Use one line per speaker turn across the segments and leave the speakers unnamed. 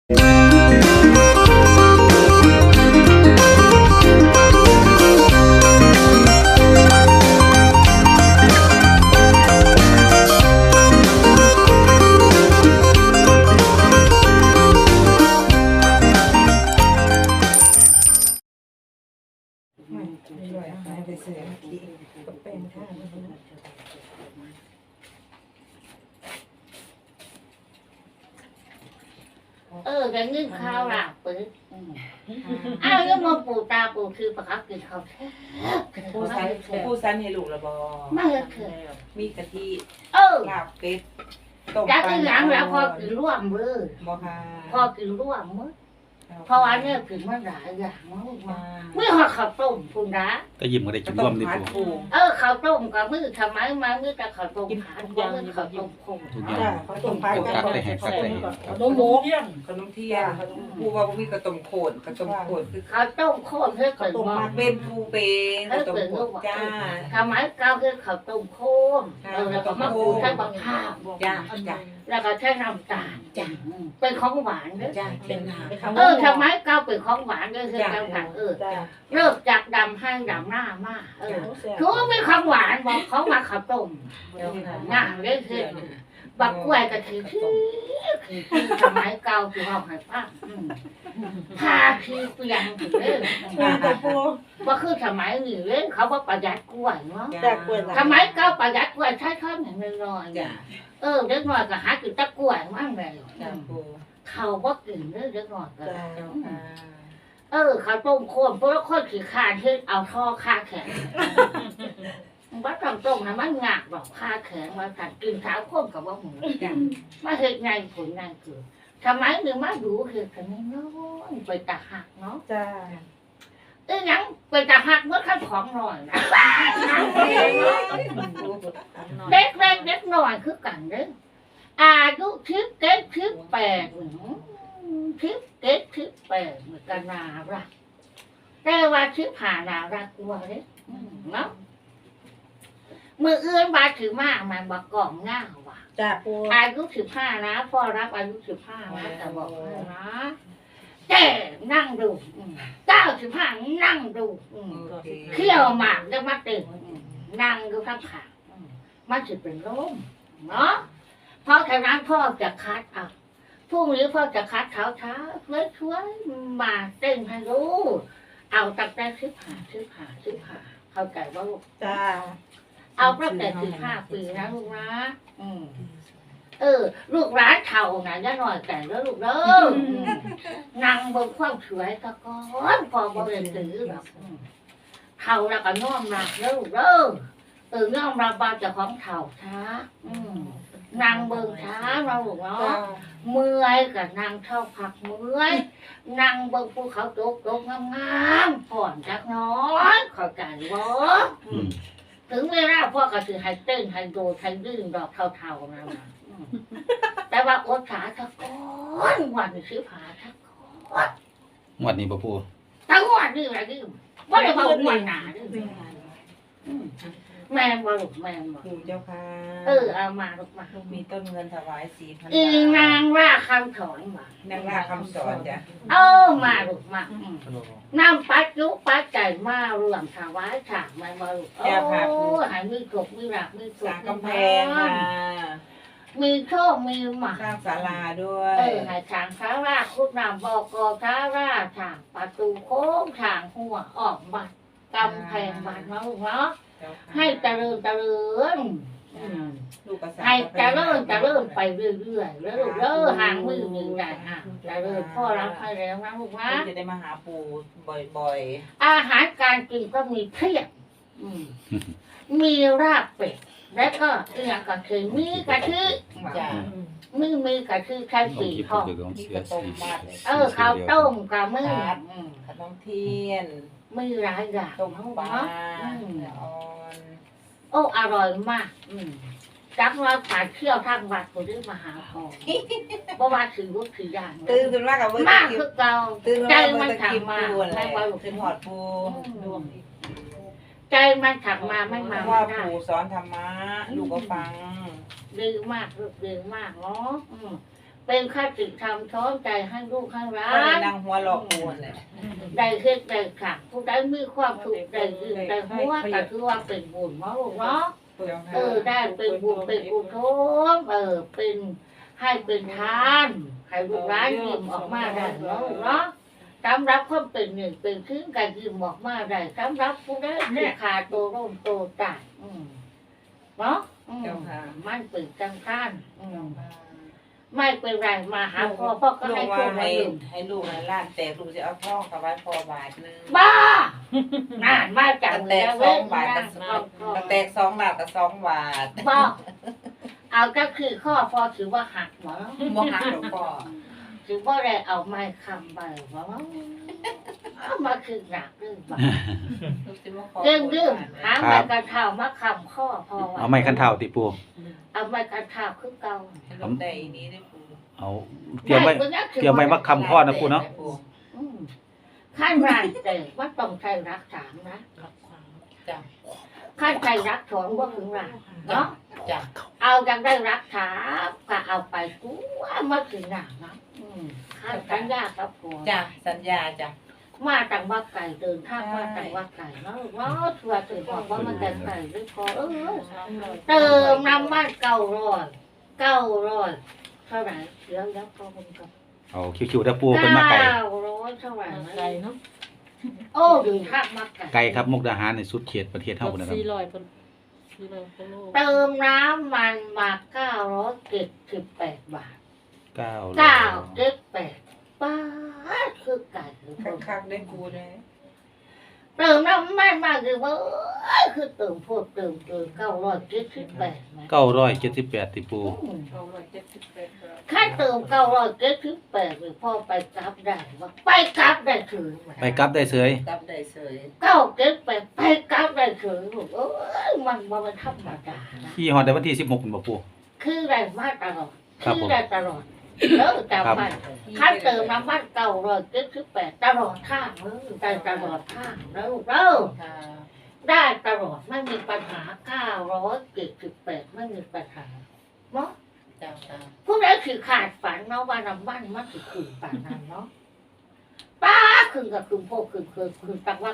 ไปเสือที่ก็เป็นท่า
cái nước khao là bự ai có mongปู่ตาปู่คือประคับกินข้าวแท้
ผู้สันให้ลูกละบอ
ไม่เคย
มีกะทิ ลาบเป็ดต้ม
จาก
ปลา
ที่หลังแล้วพอกินร่วมมือ
บอค่ะ
พอกินร่วมมือเพราะอันนี้กินมาหลายอย่างมากไม่หอข้าวต้มคุณนะ
ก็ยิ้มก็ได้กินร่วมดิปู
ข้าวต้มกับมือทำไมมามือแต่ข้าวต้มผัดกับมือข้าวต้มโคง
ทุกอย่าง
เขาต้มปลา
โฟกัสได้แหกกัดได้แหก
ขนมหมูขนมเทียนผู้ว่ามีกระต้มโขนกระต้มโขนคือ
ข้าวต้มโคงเพื่อเกิดมา
เป็นผู้เป็นกระต้มโขนจ้า
ทำไมก้าวคือข้าวต้มโคงแล้วก็มะกรูดใช้บักข้าว
จ้าจ้า
แล้วก็ใช้น้ำตาลเป็นของหวานเด้อ
จ้าเป็นหา
ทำไมก้าวเป็นของหวานเด้อคือการผัดเลิกจากดำให้ดำหน้ามากคือว่าไม่ของหวานบอกเขามาข้าวต้มง่ายเลยคือบักกล้วยก็คือทำไมก้าวคือเอาให้ป้าพาคือเปลี่ยนถึงเลยว่าคือทำไมนี่เลยเขาว่าประหยัดกล้วยเนาะทำไมก้าวประหยัดกล้วยใช้ข้าวอย่างน้อยเด็กน้อยก็หากินตะกล้วยมั่งเลยเขาว่ากินเด็กน้อยก็เขาต้มโคนเพราะว่าคนขี้คานที่เอาท่อคาแขนว่าต้มนะมันหงักแบบคาแขนมาสั่งกินเท้าโคนกับว่าหมูมาเห็ดไงผลไงคือทำไมหนึ่งมาดูคือทำไมน้อยไปตาหักเนาะ
จ้า
ยังไปตาหักเมื่อขั้นของหน่อยนะเด็กหน่อยคือกันเด้ออายุ17-18เหมือนกันนารักแต่ว่า15นารักกว่าเลยเนาะมืออื่นบาถือมากมันบอกกล่องง่าว่ะ
จ้าปู
อายุ15นะพ่อรับอายุ15นะแต่บอกให้นะแต่นั่งดู95นั่งดูเขี้ยวหมากจะมาตื่นนั่งดูข้างขามันจะเป็นลมเนาะเพราะฉะนั้นพ่อจะคัดเอาพรุ่งนี้พ่อจะคัดเช้าช่วยมาเต้นให้รู้เอาตั้งแต่15เข้าใจว่าลูก
จ้า
เอาตั้งแต่15 ปีนะลูกนะลูกร้านเท่านะย่าหน่อยแต่แล้วลูกเด้อนั่งบนความสวยตะกอนพอบริเวณตื้อแบบเท่าแล้วก็น้อมรับแล้วลูกเด้อน้อมรับบาจะของเท่าช้านั่งเบิ่งช้าเราลูกเนาะเมื่อยกับนั่งเท่าผักเมื่อยนั่งเบิ่งภูเขาตกงามๆผ่อนจักน้อยเข้าใจบ่ถึงเวลาพ่อก็ถือให้เต้นให้โดดให้ดื้อดอกเท่าๆนั่นนะแต่ว่าอดขาตะก้อนวันนี้ซื้อผ้าตะก้อน
งวดนี้บ่ปู
ทั้งวันนี่อะไรนี่ว่าได้มาวันหนาด้วยแม่มาลูกแม่มา
ปูเจ้าค่ะ
เอามาลูกมา
มีต้นเงินถวาย 4,000
อี
บาท
นางว่าคำสอนมาน
างล่าคำสอนจ้ะ
มาลูกมาน้ำปัดยุปัดใจมาเรื่องถวายฉากมาลูกหายมีกบมีหลักมีสุ
สร้างกำแพงค่ะ
มีโชคมีหมา
สร้างศาลาด้วย
ให้ฉางช้าราคุณนำบอกช้าราฉางประตูโค้งฉางหัวออกบัตรกำแพงบัตรนะลูกเนาะให้เจริญให้เจริญไปเรื่อยๆแล้วลูกหางมือหนึ่งได้เจริญพ่อรับให้แล้วนะลูกนะ
จะได้มาหาปูบ่อย
อาหารการกินก็มีเพียบมีราบเป็ดแล้วก็อย่างก็คือมีกะทิ
ๆจ้ะ
มีกะทิใช้
ลอง
สี
คิด
ทอง
ดูของ
มี
เสื
ก
อ
ระต้
สี
มมาดเลย
ข้าวต้มกับมือ
ขนมเทียน
มีหลายอย่าง
ต้มปลา
อ่อนอร่อยมากจักว่าผ่านเที่ยวทางวัดคนที่มาหาพอเพราะว่าถือว่าถือย่าง
ตื่นขึ้นมากับ
มากคือเก่า
ตื่น
ใจ
มา
มัน
จะ
ถัก
กิน
มา
ปูอะไร
ไม่ว่าลูก
ขึ้นหอดปู
ใจมันถักมาไม่มา
ว่า
ไม่ได้
ปูสอนธรรมะลูกก็ฟัง
ดีมากลูกดีมากเนาะเป็นข้าศึกทำช้อมใจให้ลูกให้ร้า
ก็ได้
น
นั่งหัวหลอกกูนั่นแหละ
ได้เฮ็ดได้ขักผู้ใดมีความสุขได้ยืนได้หัวก็ถือว่าเป็นบุญเนาะลูกเนาะได้เป็นบุญเป็นกุศลเป็นให้เป็นทานให้ลูกร้านยิ้มออกมาได้เนาะลูกเนาะสำหรับคนเป็นหนึ่งเป็นครึ่งการยิ้มออกมาได้สำหรับผู้ใดที่ขาดโตร่มโตตายเนาะมันเป็นจังท่านไม่เป็นไรมาหาพ่อก็
ลู
ให้
กว่า
พ่อมา
ให้
ดื่ม
ให้ลูกให้ล้านแต่ลูกจะเอาทองกับไว้พอบาทนึง
บ้าน่านมาจัง
แต
เลย
ก
เว้ย
2 บาทก็แตก2 บาทกับ2 บาท
บ้าเอาก็คือข้อพอถือว่าหักหมอ
บ่หักหรอกพ่อ
ถือว่าได้เอาไม้คำไปหมอเอามาคือหนักเรื่องบ้า
ลูกสิมาขอ
เรื่องหาไม้กระเท้ามาคำข้อพอ
เอาไม้คันเท้าติปู
เอาไม้กระเท้าคือเก่า
ให้ลูกได้อีนี้ได้ปู
เอาเตรียมไว้มาคำข้อนะปูเนาะ
ขั้นแรกแต่ว่าต้องใช้รักสามนะ
จ้ะ
ขั้นใช้รักสองว่าถึงรักเนาะ
จ้ะ
เอายังได้รักษาก็เอาไปกูว่ามาถึงหนักนะขั้นสัญญากับผัว
จ้ะสัญญาจ้ะ
มาจังว่าไก่เดินทางมาจังว่าไก่เนาะว่าชัวร์ถึงบอกว่ามันแต่ไก่หรือพอเติมน้ำมัน900เท่าไหร่เดี๋ยวแล้วก็มันก็
เอาคิวๆได้ปูเป็นมาไก่
900เท่าไหร่ไก่เนาะโอ้ดูท่ามาไก่
ไก่ครับมุกดาหารในสุดเขตประเทศเฮาพุ่นนะครับ
เติมน้ำมันมา978 บาท 978 บาทคือไก่คือคน
คักๆได้กูเลย
เติมน้ำมันมาคือว่าคือเติมพวกเติม978
978ติปู
ค่าเติม978หรือพ่อไปกลับได้ว่าไปกลับได้ถึง
ไปกลับได้เสย
กับได้เสย
978ไปกลับได้ถึงลูกมันธรรมดานะ
ขี่ฮอดได้วันที่16พุ่นบ่ปู
คือได้มาตลอด
ครับผม
ได้ตลอดจำไว้ค่าเติมน้ำมัน978ตลอดทางได้ตลอดทางแล้วลูก
ค่ะ
ได้ตลอดไม่มีปัญหา978ไม่มีปัญหาเนาะ
จ้ะจ้ะ
ผู้ใดคือขาดฝันเนาะว่าน้ำมันมันคือคืนฝันนั้นเนาะป้าคืนกับคืนพวกคืนตักว่า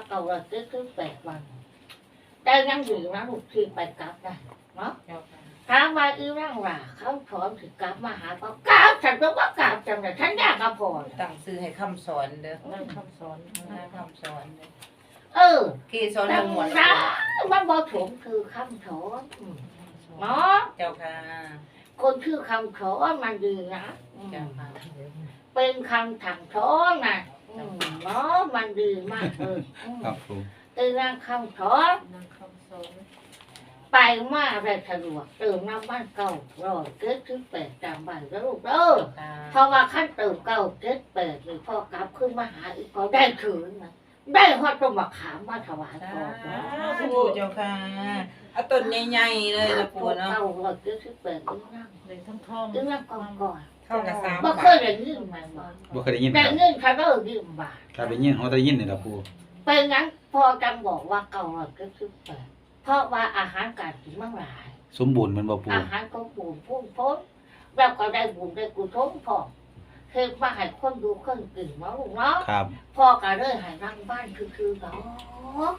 978 วันแต่ยังอยู่นะลูกที่ไปกลับได้เนาะ
เจ้าค่ะ
ถามว่าอีร่างว่าเขาถอนถึงกลับมาหาเขากลับฉันก็ว่ากลับจังเลยฉันอยากกลับพอ
ตั้งชื่อให้คำสอนเด้อ
นั่งคำสอน
คำสอนเด้อ
เออ
กี่สอน
แต่
ทั้งหมด
นะมันบ่ถมคือคำถอนเนาะ
เจ้าค่ะ
คนชื่อคำถอนมันดีนะอืม
เจ้าค่ะ
เป็นคำถังถอนนะเนาะมันดีมากเลยอืม
ครับปู
เป็นนางคำถอน
นั่งคำสอน
ไปมาได้สะดวกเติมน้ำมัน978จำไว้แล้วลูกเด้อ
ค่ะ
เพราะว่าขั้นเติม978หรือพ่อกลับขึ้นมาหาอีกพอได้คืนนะได้ฮอดต้นมะขามมาถวายพ่อนะ
ปู่เจ้าค่ะเอาต้นใหญ่ๆเลยนะปู่เนาะ
978อีนั่ง
เลยทั้งท้อง
อีนั่งก่อน
เข้ากับ3
บ่
บา
เค
ท
ยได้ยินมันบ่
บ่เคยได้ยินค
ได้
รับ
เงินเขาเด้อยืมบาท
ครับได้ยินเฮาได้ยินนี่ล่ะปู
เป็นงั้นพ่อจังบอกว่า978เพราะว่าอาหารการกินมันหลาย
สมบูรณ์แมันบ่ปู
อาหารก็ปูนพุ่งพ้นแล้วก็ได้บุญได้กุศลพอเฮ็ดมาให้คนดูคนกินเนาะลูกเนาะ
ครับ
พ่อก็เลยให้รางบ้านคือเนาะ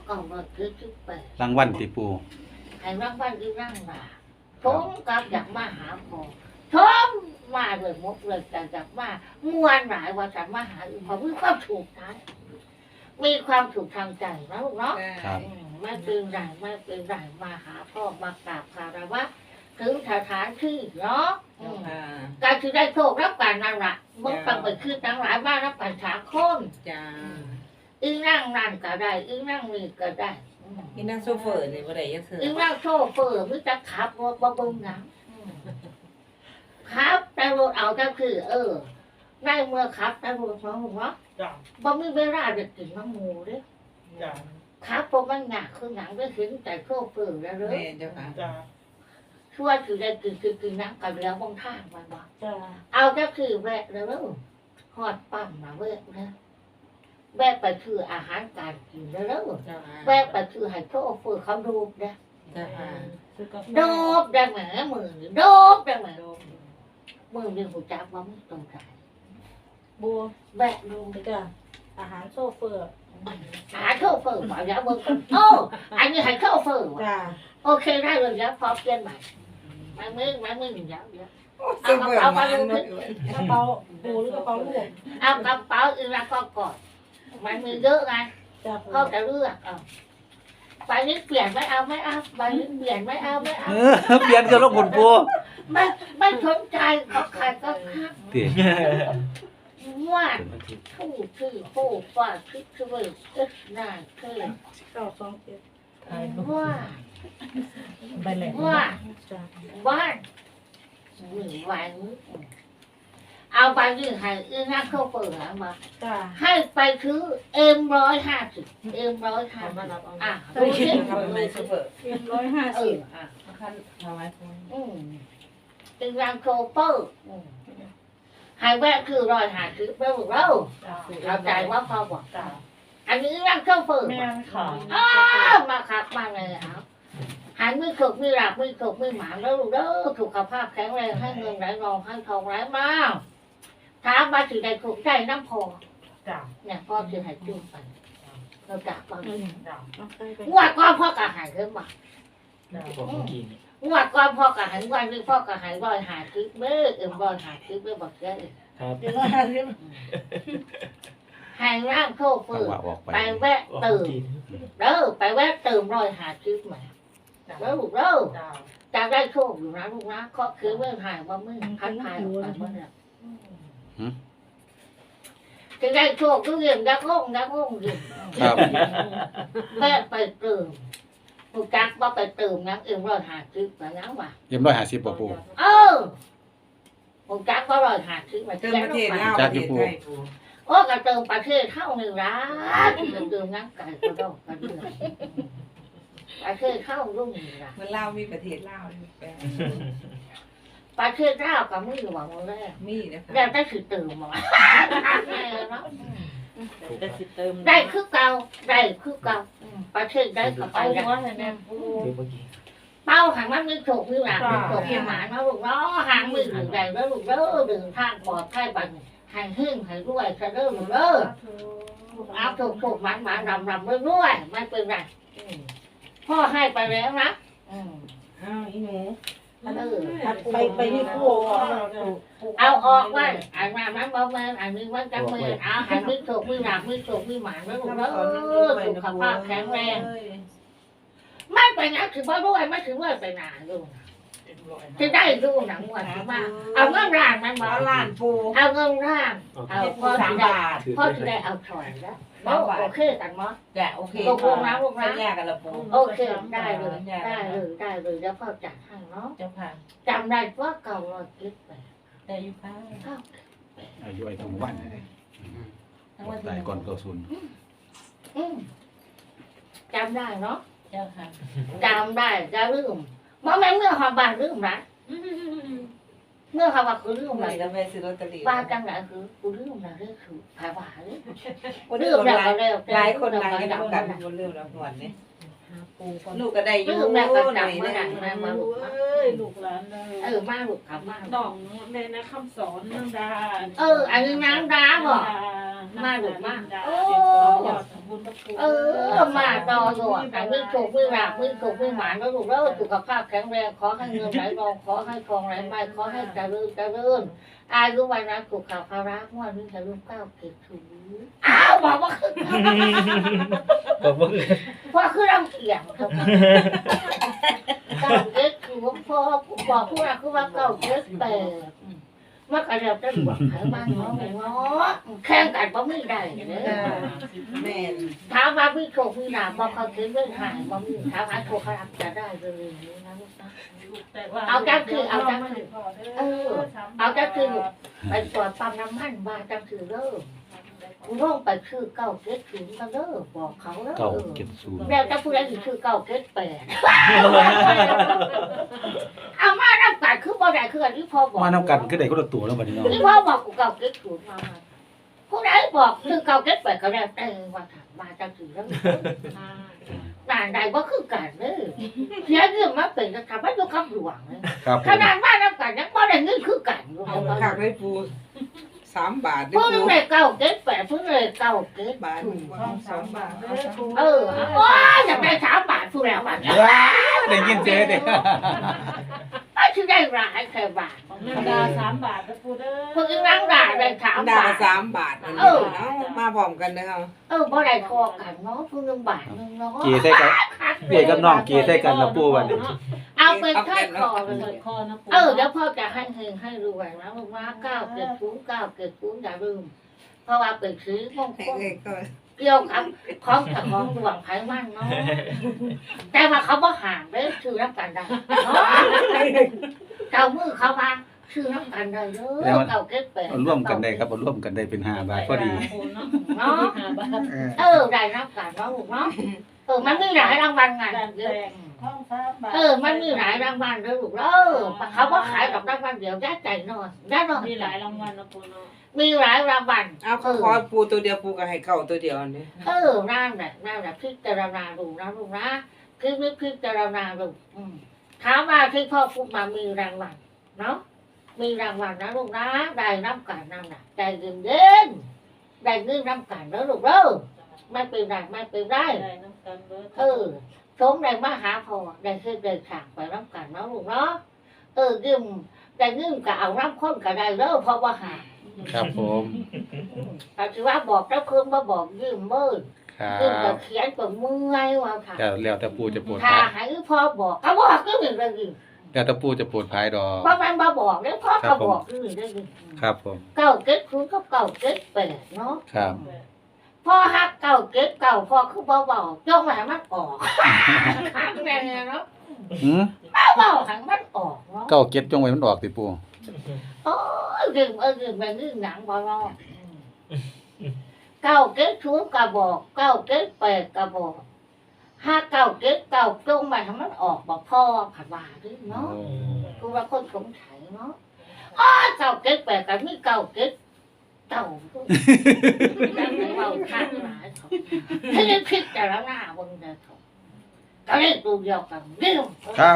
978
รางวัลติปู
ให้รางบ้านคือนั่งบ่าชมกับอยากมาหาพ่อชมมาเลยมกเลยแต่อยากมามวนหลายว่าจะมาหาอีกพอมีความถูกใจมีความถูกทางใจนะลูกเนาะ
ครับ
ไม่เป็นไรไม่เป็นไรมาหาพ่อมากราบคารวะถึงสถานที่เนาะ
เจ้าค่ะ
การที่ได้โชครับการนั่นแหละมึงต้องไปคือทั้งหลายบ้านรับปัญหาคน
จ้า
อีนั่งนั่นก็ได้อีนั่งนี่ก็ได้
อีนั่งโซเฟอร์นี่บ่ได้ยังคือ
อีนั่งโชเฟอร์มึงจะขับรถบ่เบิ่งหนังครับแต่รถเอาก็คือได้เมื่อขับแต่รถเนาะลูกเนาะ
จ้า
บ่มีเวลาจะกินน้ำหมูเด้
จ้า
ครับเพราะมันหนักคือหนังได้ถึงแต่โชเฟอร์แล้วเด้อ
แม่เจ้าค่ะ
จ้า
ช่วยคือได้กินน้ำกันแล้วบางทางมันบอก
จ้า
เอาก็คือแวะแล้วหอดปั๊มมาแวะนะแวะไปคืออาหารการกินแล้ว
เจ้าค่ะ
แวะไปคือให้โชเฟอร์เขาดูนะ
เจ้าค่ะ
ซื้อกาแฟ
โดบได้ไหมมือโดบได้ไหมมือหนึ่งหูจักว่ามึงตรงใจ
บัว
แบะลง
จ้ะอาหารโซเฟอร์
หาโชเฟอร์มาแล้วมึงโอ้อันนี้ให้โชเฟอร์ว่ะ
จ้ะ
โอเคได้เลยแล้วพอเปลี่ยนใหม่ไม่มึงแล้วเดี๋ยว
เสมอมาเนาะ
กระเป๋าปูหรือกระเป๋าลูก
เอากระเป๋าอีกแล้วก็กอดมันมีเยอะไง
จ้ะ
เขาจะเลือกเอาไปนี้เปลี่ยนไม่เอาไปนี้เปลี่ยนไม่เอา
เปลี่ยนกันแล้วคุณปู
ไม่สนใจเขาใครก็คัก
ติ
ว่าผู้คือผู้ว่าคือคือน่าคือ
927
ว่า
ไปเลย
ว่า
จ้ะ
บ้านหนึ่งวันเอาไปยืนให้อีนักเข้าเปิดมา
จ้ะ
ให้ไปซื้อ150 150
มารับเอา
อ่ะ
เอ
ดู
อ
สิ
ทำไมเสมอ
150
อ่ะ
คันทำไม
เป็นรางโคเปอร์ให้แวะคือ150ไปบอกเรา
จ้ะ
เข้าใจว่าพอบอก
จ้ะ
อันนี้รางโคเปอร์
แม่นค่ะ
มาครับมาเลยเอาหันมือขบมือหลับมือขบมือหมาแล้วลูกเด้อสุขภาพแข็งแรงให้เงินไหลนองให้ทองไหลมาถามมาถึงใดถูกใจน้ำพอ
จ้ะ
เนี่ยพ่อจะให้จุ่มไปเราจากบาง
จ้ะ
งวดก่อนพ่อกะหายขึ้นมา
จ้ะ
งวดก่อนพ่อกะหายวันนี้พ่อกะหาย150เบ้อ150เบ้อบอกเลย
ครับ
หายร่างโค
จั
เฟื
ง
อ
หวะออกไป
ไปแวะตื่มเด้อไปแวะตื่ม150มาแล้วลูกเด้อ
จ้ะ
จะได้โชคอยู่นะลูกนะเคาะคือเมื่อหายว่ามือพันหายออกไปเมื่อเนี่ยจะได้โชคก็เรียนยักษ์งอยู่
ครับ
แม่ไปตื่มลูกจักว่าไปตื่มนัก150มานังว่ะ
เยี่ยม150บ่ปู
เออลูกจักว่า150มา
เติม
เจ้า
ประเทศ
ไป
ลาวประเทศไทยปู
โอ้ก็เติมประเทศเท่าหนึ่งร้านตื่มนักไก่ก็ต้องกันเลยประเทศเข้ารุ่งหนึ่งร้าน
มันลาวมีประเทศลาวนี่แปล
ประเทศลาวกับมือหวังแรก
มีนะคะ
ได้ได้คือตื่มมา
ได้สิเติม
ได้คือเก่าประเทศได้กับไป
เอา
ได้
หัวให้แม่ปู
เดี๋ยวเมื่อกี้
เป้าหางมันมือถูกมือหลังมือถูกมือหมาเนาะลูกเนาะหางมือถึงใดแล้วลูกเด้อดึงทางปลอดภัยบัดหางหึ่งหางรวยจะเด้อลูกเด้อเอาถูกมันรำรวยไม่เป็นไรพ่อให้ไปแล้วนะ
อ้าวอีหนู
ไปนี่คู่
เอาออกไว้อันนั้นบ่แม่นอันนี้มันจังมือเอาหางมือถูกมือหลังมือถูกมือหมาแล้วลูกเด้อสุขภาพแข็งแรงไม่ไปนะถือว่าด้วยไม่ถือว่าไปนานลูกจะได้ดูหนังวันมาเอาเงินร่างมันมา
เอาล้านปู
เอาเงินร่างเอา
ให้
พ่
ปู
อ
3
จะได้
บาท
พ่อจะได้เอาถอยแล้วโอเคกันมั้ย
จ้ะโอเค
ตกลงนะลูกนะ
สัญญากันละปู
โอเคได้เลยแล้วพ่อจัดให้เนาะ
เจ้าค่ะ
จำได้ว่าเก่าเราคิดไป
แต่อยู่ค่ะ
อายุไอ้ตรงวันนี่ตายก่อน90
จำได้เนาะ
เจ้าค่ะ
จำได้จะลืมบ่แม่นเมื่อความบ้านลืมนะเมื่อความบ้านคือลืม
ไหน
นะ
จะไปซื้อลอตเตอรี่
บ้านจังไหนคือกูลืมนะคือผาบ้าเลย
คน
ลื
ลื
ม
ม
แล้ว
หลา
ก็
ย
แล้ว
หลายคนหลายกันกันคนลืมแล้วหวนนี่ลูกก็ได้อยู่
ลืมแล้วก็
ไหน
จำไม่ได้
ได้
มาลูก
เอ้ยลูกหลานเลย
มาลูกขับมา
ดองในนะคำสอนนางดา
อันนี้นางดาบ่ มาลูกมา
โอ้ยอดสมบูรณ์
มาต่ออยู่อันนี้ถูกมือหลักมือถูกมือหมานแล้วลูกแล้วสุขภาพแข็งแรงขอให้เงินไหลรองขอให้ทองไหลมาขอให้เจริญอายุวันนั้นสุขภาระงวดนี้จะรุ่งก้าวเกิดถูอ้าวบอกว่าคือ
บอกว่า
พ่อคือรำเกียงครับก้าวเกิดถูพ่อบอกผู้รักคือว่าก้าวเกิดแต่เมื่อกระเดียวจะบอกให้บ้านน้องเนาะแข่งกันบ่มีได้เด้อ
แม่น
ถามว่ามีโชคมีลาภบ่เขาคิดเรื่องหายบ่มีถามว่าโชคเขารับจะได้เลยนะลูกนะเอาจังคือไปตรวจปั๊มน้ำมันว่าจังคือเด้อกูลงไปคือเก้าเก็ดถึงกันเด้อบอกเขาเด้อ
970
แล้วจะพูดอะไรคือเก้าเก็ดแปดเอามาน้ำกัดคือบ่ได้คืออันที่พ่อบอก
มานํกันคือได้คนละตัวแล้วบัดนี้เนาะ
ที่พ่อบอกกูเก้าเก็ดศูนย์มาผู้ใดบอกคือเก้าเก็ดแปดก็ได้แต่ว่าถามมาจังคือเด้อการใดว่าคือการเด้อเสียเงินมาเป็นกระทำให้ดูคำหลวงเลย
ครับผ
ข
ม
นาดว่าน้ำกันยังบ่ได้เงินคือกันอยู่
เอาคักเลยปู3 บาทเด้
เพิ่
อง ปู
ได้เก้าเก็ดแปดเพิ่งได้เก้าเก็ด
บาท
2 บาทเด้อปู
โอ้ยอยากได้3 บาทผู้แล้วบาท
ว้าได้ยินเจ๊เด้
ไม่ใช่ได้หลายแค่บาท
ของนันดา3 บาทเด้อปูเด้อ
เพิ่งนั่งด่าได้3
ดา
บาท
3 บาทอันนี้เนาะมาพร้อมกันเด้อเฮา
บ่ได้ทอกันเนาะเพิ่ง1 บาทนึงเนาะ
เกีใส่กันเกีกับน้องเกีใส่กันนะปูวันนี้
เอาเป็นค่อยคอเล
เปิ
ย
ดคอนะปู
เดี๋ยวพ่อจะให้เฮงให้รวยนะลูกนะ9 7 0 9 7 0อย่าลืมเพราะว่าเป็นซื้อมงคล
ก็
เกี่ยวกับของแต่ของดวงไผ่มันเนาะแต่ว่าเขาบ่ห่างเลยชื่อน้ำกันได้เนาะเจ้ามือเขาว่าชื่อน้ำกันได้เด้อเก่าเก็บไป
เอาร่วมกันได้ครับเอาร่วมกันได้เป็น5 บาทพอดี
เนาะ
เนาะ
5 บาท
ได้น้ำกันเนาะลูกเนาะมันมีหลายรางวัลไง
ท้อง3 บาท
มันมีหลายรางวัลเด้อลูกเขาบ่ขายกับรางวัลเดียวได้ใจนอนได้นอน
มีหลายรางวัลนะปูเนาะ
มีหลายรางวัล
เอาขอปูตัวเดียวปูก็ให้เก่าตัวเดียวนี่
นั่นแหละพิจารณาดูนะลูกนะคือพิจารณาดูถามว่าที่พ่อพูดมามีรางวัลเนาะมีรางวัลนะลูกนะได้น้ำกันนั่นแหละได้เงินเด่นได้เงินน้ำกันแล้วลูกไม่เป็นไรไม่เป็นไร
ได้น้ำกันเบิด
สมได้มาหาพ่อได้คือเดินทางไปน้ำกันเนาะลูกเนาะยืมได้ยืมก็เอาน้ำข้นก็ได้แล้วเพราะว่าหา
ครับผม
แต่ถือว่าบอกเจ้าคืนมาบอกยืมเมื่อ
ครั
ยืมกั
บบ
เขียนกับเมื่อยว่าค่ะ
แต่แล้วแต่ปูจะโปรด
ถ้า
ภาย
ให้พ่อบอกก็บอกก็หนึ่งเลยยืม
แล้วแต่ปูจะโปรดภายดอก
เพราะมันมาบอกแล้วพ่อก็บอกก็หนึ่งเลยยืม
ครับผม
เก้าเก็ดคุณก็เก้าเก็ดแปดเนาะ
ครับ
พ่อฮักเก้าเก็ดเก้าพ่อคือบ่เบาจ้องให้มันออกขังแน่เนาะ
หืม
เบาให้มันออกเนาะ
เก้าเก็ดจงไว้มันออกติปู
โอ้ยยืมยืมไปยืมหนังบ่รอดเก้าเก็ดคุณก็บอกเก้าเก็ดแปดก็บอกฮักเก้าเก็ดเก้าจ้องไปให้มันออกบอกพ่อผัดว่าดิเนาะ กูว่าคนสงสัยเนาะเก่าเก็ดแปลกกันมีเก่าเก็ดเก่าแล้วเราข้างหลายเขาให้ได้พิจารณาบนเดินเขาก็เรียกตัวเดียวกันเรื่อง
ครับ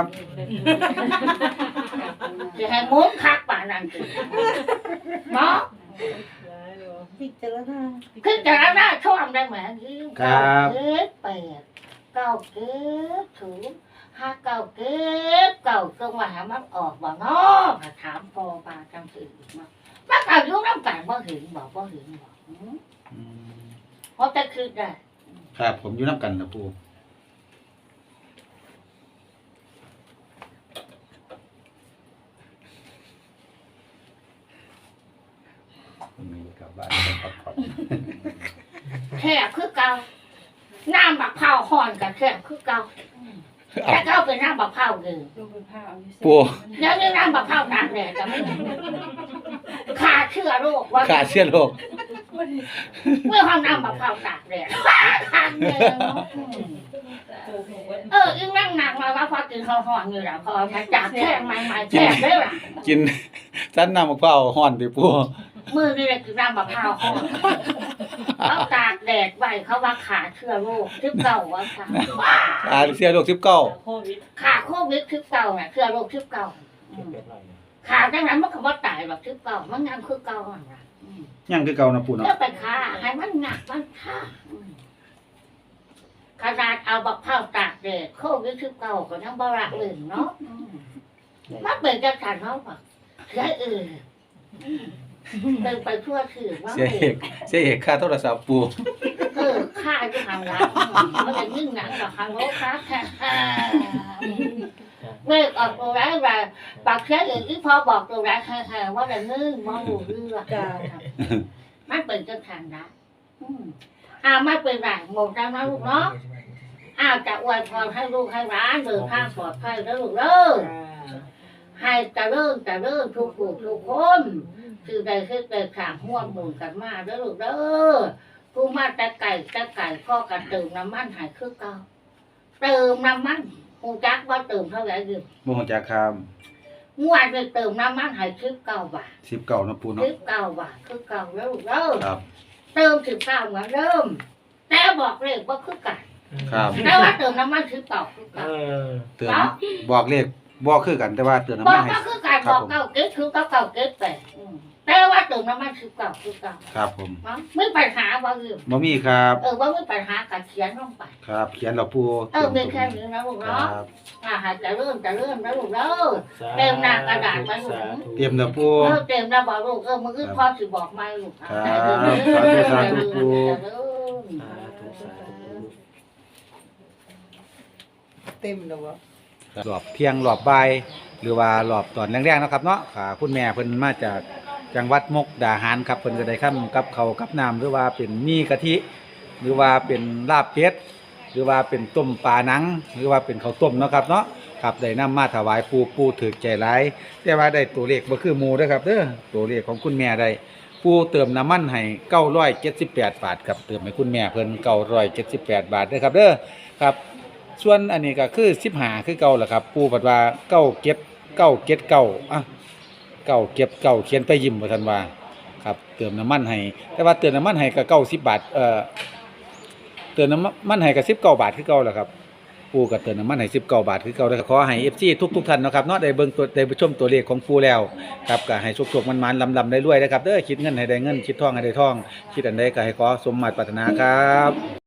จะให้มุ้งคักป่านั่นสิเนาะ
พิจารณา
พิจารณาชอบได้ไหมยิ่ง
ครับ
เก็ดแปดเก่าเก็ดถูกห้าเก่าเก็ดเก่าตรงว่าหามันออกบ่เนาะถามพอปาจังสิมามันเอายุ่งน้ำกันบ่เห็นบอกเพราะจะคิดได้
ครับผมอยู่น้ำกันนะปูมีกลับบ้านไปพักผ่อน
แค่คือเก่าน้ำบักเผาห่อนกับแค่คือเก่าแค่เก่าเป็นน้ำบักเผาเลย
ปู
แล้วนี่น้ำบักเผาตากแดดจะไม่ขาเชื้อโรคว่า
ขาเชื้อโรค
เมื่อห้องน้ำบักเผาตากแดดขาดเลยเนาะยิ่งนั่งหนักมาว่าพอกินข้าวห่อนอยู่แล้วพอมาจากแค่ใหม่ๆแค่ได้หรอ
กินสั้นน้ำมะพร้าวห่อนติปู
มือนี่เลยคือน้ำบักเผาห่อนเขาตากแดดไว้เขาว่าขาเชื้อโรคที่เก่าว่าค่ะ
เชื้อโรค19
โควิด
ขาโควิดที่เก่าเนี่ยเชื้อโรคที่เก่าขาดังนั้นมันก็บ่ตายแบบที่เก่ามันยังคือเก่าอ่ะ
ยังคือเก่านะปูเนาะ
แล้วไปขาให้มันหนักมันท่าขนาดเอาบักเผาตากแดดโควิดที่เก่าก็ยังบ่รักอื่นเนาะมันเป็นจังซั่นเนาะแบบเสียเดินไปทั่วถือว่า
เสียเอกค่าโทรศัพท์ปู
ค่าที่ทำร้านมันจะยิ่งหนักกว่าทางโลกค้าแค่เมื่อออกตัวร้ายว่าปากเสียอย่างที่พอบอกตัวร้ายแค่ว่าจะนึ่งมองดูเรื่องมันเป็นจังซั่นนะไม่เป็นไรหมดแล้วนะลูกเนาะจะอวยพรให้ลูกให้ร้านเดินทางปลอดภัยแล้วลูกเด้อให้เจริญทุกผู้ทุกคนคือได้คือได้ข่างห่วงหมุนกันมาแล้วลูกเด้อผู้มาแต่ไก่พ่อกันเติมน้ำมันหายคือเก่าเติมน้ำมันหูจักว่าเติมเท่าไหร่อยู่
บ่ฮู้จักครับ
งวดไปเติมน้ำมันหาย19 บาท
19นะปูเนาะ
19 บาทคือเก่าแล้วลูกเด้อ
ครับ
เติม19เหมือนเดิมแต่บอกเลยว่าคือกัน
ครับ
แต่ว่าเติมน้ำมันคือเก่าคือ
เอ
เก่า
อ
เตือนบอกเลขบอกคือกันแต่ว่าเตือน
บ
น้ำ
อ
มั
ก
นให้
ก็คือการบอกเก่าเก็ตคือเก่าเก็ตไปแต่ว่าเติมน้ำมันคือเก่าคือเก่า
ครับผม
ไม่ปัญหาบ่ลืม
บ่มีครับ
ว่าไม่ปัญหากับเขียนลงไป
ครับเขียนเราปู
มีแค่นี้นะลูก
ค
เนาะ
รับ
หาจะเริ่มนะลูกเนาะ เต็มหน้ากระดาษไว้หมด
เตรียมเราปู
เต็มแล้วบอกลูกมึงคือพ่อสิบอกไม่ลูก
สาธุปู
เต็มแล้ววะ
รอบเที่ยงรอบบ่ายหรือว่ารอบตอนแรงๆนะครับเนาะค่ะคุณแม่เพิ่นมาจากจังหวัดมุกดาหารครับเพิ่นก็ได้ค้ำกับเขาวกับน้ำหรือว่าเป็นมีกะทิ หรือว่าเป็นลาบเป็ดหรือว่าเป็นต้มปลาหนัง หรือว่าเป็นข้าวต้มเนาะครับเนาะครับได้นำมาถวายปูถือใจหลายแต่ว่าได้ตัวเลขบ่คือหมู่เด้อครับเด้อตัวเลขของคุณแม่ได้ปูเติมน้ำมันให้978บาทครับเติมให้คุณแม่เพิ่น978บาทเด้อครับเด้อครับ ส่วนอันนี้ก็คือ15คือเก่าแหละครับปูปัดว่า979อ่ะ979เขียนไปยิ้มว่าซั่นว่าครับเติมน้ำมันให้แต่ว่าเติมน้ำมันให้ก็90บาทเติมน้ำมันให้ก็19บาทคือเก่าแหละครับปูก็เติมน้ำมันให้19บาทคือเก่าแล้วก็ขอให้ FC ทุกท่านเนาะครับเนาะได้เบิ่งตัวได้ชมตัวเลขของปูแล้วครับก็ให้สุขๆมันๆลำๆได้รวยนะครับเด้อคิดเงินให้ได้เงินคิดทองให้ได้ทองคิดอันใดก็ให้ขอสมมาตรปรารถนาครับ